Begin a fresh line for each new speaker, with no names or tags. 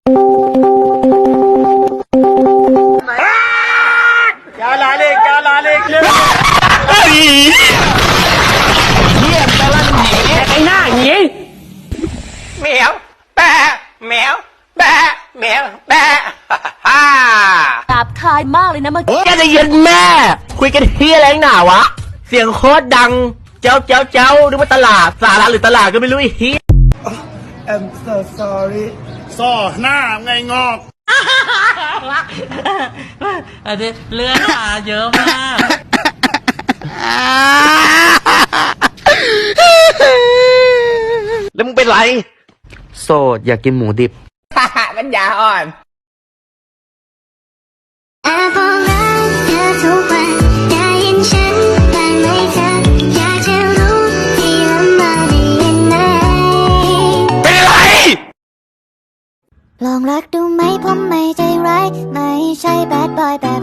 क्या लालेเฮียตะลันหนีไอ้หน้าหนีแมวแปะแมวแปะแมวแปะฮ่า
หยาบคายมากเลยนะเมื่อกี้
แกจะย็นแม่คุยกันเฮียอะไรหนาวะเสียงโคตรดังเจ้านึกว่าตลาดสาระหรือตลาดก็ไม่รู้ไอ้เฮีย
I'm so sorry
ซ่อหน้าไงงอก
อันนี้เลือดมาเยอะมาก
แล้วมึงเป็นไรโสดอยากกินหมูดิบปัญญาอ่อน
แอบบอกรักเธอทุกวันได้ยินฉันบ้างไหมเธออยากจะรู้ที่ลำบากได้ยินไหม
เป็นไร
ลองรักดูไหมผมไม่ใจร้ายไม่ใช่แบดบอยแบบ